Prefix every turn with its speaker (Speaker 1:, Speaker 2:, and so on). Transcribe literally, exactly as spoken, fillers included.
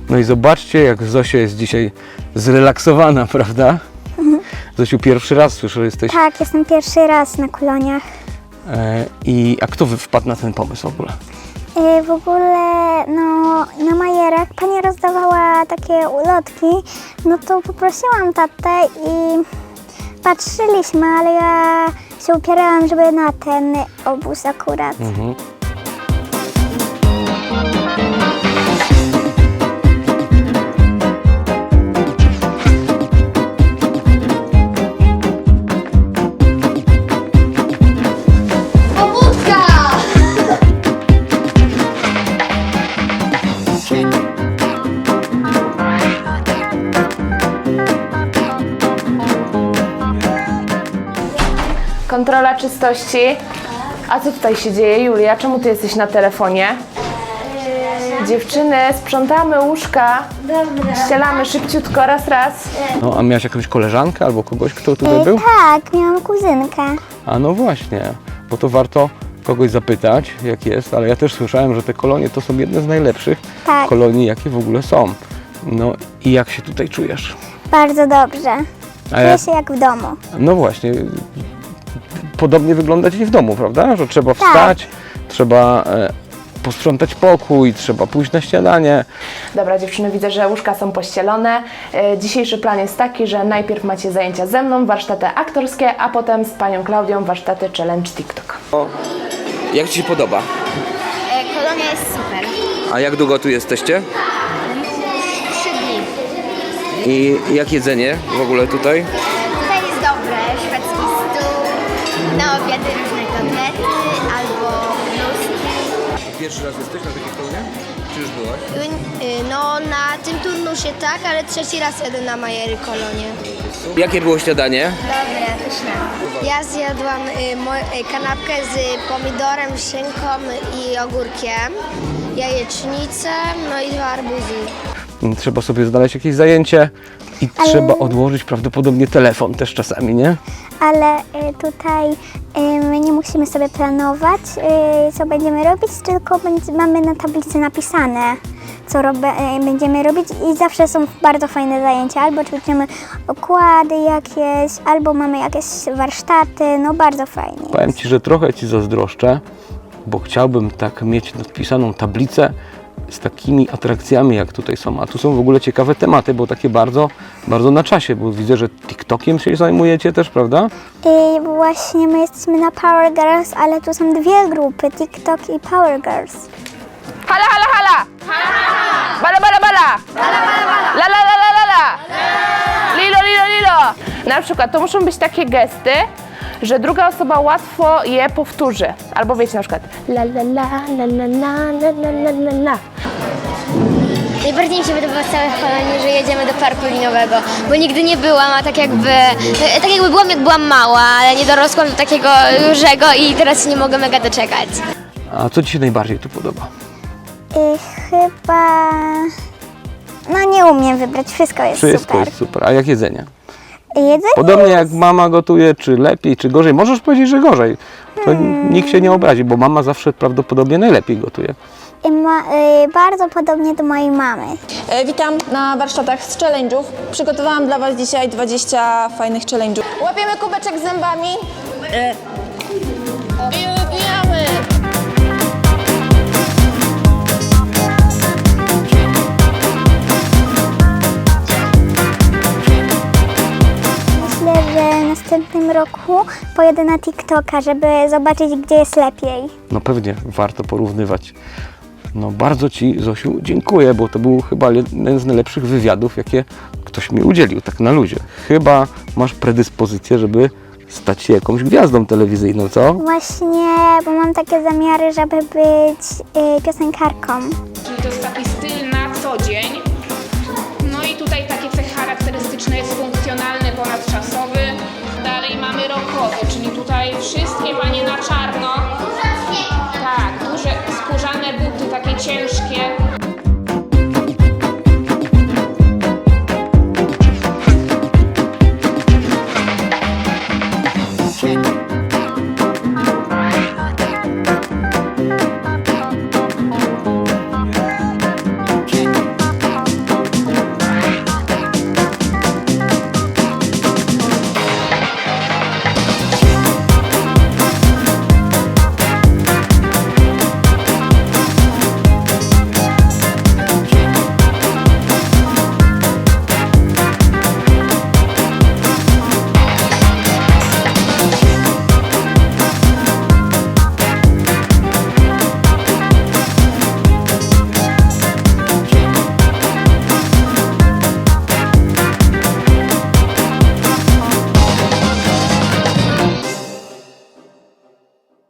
Speaker 1: No i zobaczcie, jak Zosia jest dzisiaj zrelaksowana, prawda?
Speaker 2: Mhm.
Speaker 1: Zosiu, pierwszy raz słyszę, że jesteś...
Speaker 2: Tak, jestem pierwszy raz na koloniach.
Speaker 1: E, I a kto wpadł na ten pomysł w ogóle?
Speaker 2: Y, W ogóle, no, na Majerach pani rozdawała takie ulotki, no to poprosiłam tatę i patrzyliśmy, ale ja się upierałam, żeby na ten obóz akurat.
Speaker 1: Mhm.
Speaker 3: Pobudka!
Speaker 4: Kontrola czystości. A co tutaj się dzieje, Julia? Czemu ty jesteś na telefonie? Dziewczyny, sprzątamy łóżka, ścielamy szybciutko, raz, raz.
Speaker 1: No, a miałaś jakąś koleżankę albo kogoś, kto tutaj
Speaker 2: Y,
Speaker 1: był?
Speaker 2: Tak, miałam kuzynkę.
Speaker 1: A no właśnie, bo to warto kogoś zapytać, jak jest, ale ja też słyszałem, że te kolonie to są jedne z najlepszych
Speaker 2: Tak.
Speaker 1: kolonii, jakie w ogóle są. No i jak się tutaj czujesz?
Speaker 2: Bardzo dobrze.
Speaker 1: A
Speaker 2: Czuję
Speaker 1: ja,
Speaker 2: się jak w domu.
Speaker 1: no właśnie, podobnie wygląda dzień w domu, prawda? Że trzeba
Speaker 2: Tak.
Speaker 1: wstać, trzeba e, posprzątać pokój, trzeba pójść na śniadanie.
Speaker 4: Dobra, dziewczyny, widzę, że łóżka są pościelone. E, Dzisiejszy plan jest taki, że najpierw macie zajęcia ze mną, warsztaty aktorskie, a potem z panią Klaudią warsztaty challenge TikTok.
Speaker 1: Jak Ci się podoba?
Speaker 3: Kolonia jest super.
Speaker 1: A jak długo tu jesteście?
Speaker 3: Trzy dni.
Speaker 1: I jak jedzenie w ogóle tutaj?
Speaker 3: Tutaj jest dobre, szwedzki stół, na obiady różne kotlety albo bluzki.
Speaker 1: Pierwszy raz jesteś na takiej kolonie? Czy już byłaś?
Speaker 3: No na tym turnusie tak, ale trzeci raz jadę na Majery Kolonie.
Speaker 1: Jakie było śniadanie?
Speaker 3: Dobre, pyszne. Ja zjadłam y, mo- y, kanapkę z pomidorem, szynką i ogórkiem, jajecznicę, no i dwa arbuzy.
Speaker 1: Trzeba sobie znaleźć jakieś zajęcie i
Speaker 2: Ale-
Speaker 1: trzeba odłożyć prawdopodobnie telefon też czasami, nie?
Speaker 2: Ale y, tutaj y, my nie musimy sobie planować, y, co będziemy robić, tylko będzie, mamy na tablicy napisane, co robe, y, będziemy robić i zawsze są bardzo fajne zajęcia. Albo ćwiczymy okłady jakieś, albo mamy jakieś warsztaty, no bardzo fajnie.
Speaker 1: Powiem Ci, że trochę Ci zazdroszczę, bo chciałbym tak mieć nadpisaną tablicę z takimi atrakcjami, jak tutaj są. A tu są w ogóle ciekawe tematy, bo takie bardzo, bardzo na czasie, bo widzę, że TikTokiem się zajmujecie też, prawda?
Speaker 2: I właśnie my jesteśmy na Power Girls, ale tu są dwie grupy, TikTok i Power Girls.
Speaker 4: Hala, hala, hala! Bala, bala, bala! La, la, la, la, la, la! Lilo, lilo, lilo! Na przykład to muszą być takie gesty, że druga osoba łatwo je powtórzy. Albo wiecie, na przykład la, la, la, la, la, la, la, la, la, la.
Speaker 3: Najbardziej mi się podoba w całej kolonii, że jedziemy do parku linowego, bo nigdy nie byłam, a tak jakby, tak jakby byłam jak byłam mała, ale nie dorosłam do takiego dużego i teraz się nie mogę mega doczekać.
Speaker 1: A co Ci się najbardziej tu podoba?
Speaker 2: I chyba... No nie umiem wybrać, wszystko jest
Speaker 1: Wszystko
Speaker 2: super.
Speaker 1: jest super. A jak jedzenie?
Speaker 2: Jedzenie
Speaker 1: Podobnie jak mama gotuje, czy lepiej, czy gorzej? Możesz powiedzieć, że gorzej. To
Speaker 2: Hmm.
Speaker 1: nikt się nie obrazi, bo mama zawsze prawdopodobnie najlepiej gotuje.
Speaker 2: i ma, y, bardzo podobnie do mojej mamy.
Speaker 5: E, Witam na warsztatach z challenge'ów. Przygotowałam dla Was dzisiaj dwadzieścia fajnych challenge'ów. Łapiemy kubeczek z zębami. E, I wybijamy.
Speaker 2: Myślę, że w następnym roku pojedę na TikToka, żeby zobaczyć, gdzie jest lepiej.
Speaker 1: No pewnie warto porównywać. No bardzo Ci, Zosiu, dziękuję, bo to był chyba jeden z najlepszych wywiadów, jakie ktoś mi udzielił, tak na luzie. Chyba masz predyspozycję, żeby stać się jakąś gwiazdą telewizyjną, co?
Speaker 2: Właśnie, bo mam takie zamiary, żeby być y, piosenkarką.
Speaker 4: Czyli to jest taki